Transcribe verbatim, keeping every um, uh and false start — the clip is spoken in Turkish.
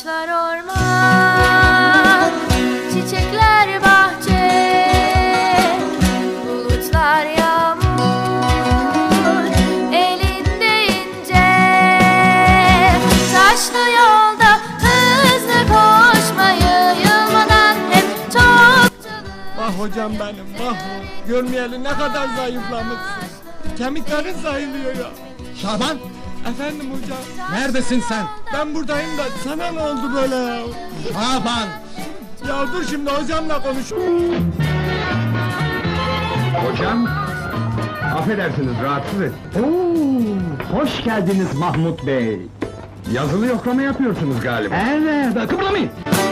Ağaçlar orman, çiçekler bahçe, bulutlar yağmur, elinde ince. Taşlı yolda hızlı koşmayı, yılmadan hep çok çalış. Vah hocam benim, vah! Görmeyeli ne kadar zayıflamışsın. Kemiklerin sayılıyor ya. Şaban, Efendim hocam, neredesin sen? ben buradayım da sana ne oldu böyle ya? Şaban! Ya dur şimdi hocamla konuş. Hocam, affedersiniz rahatsız et. Oo, hoş geldiniz Mahmut Bey. Yazılı yoklama yapıyorsunuz galiba. Evet, kıpırdamayın.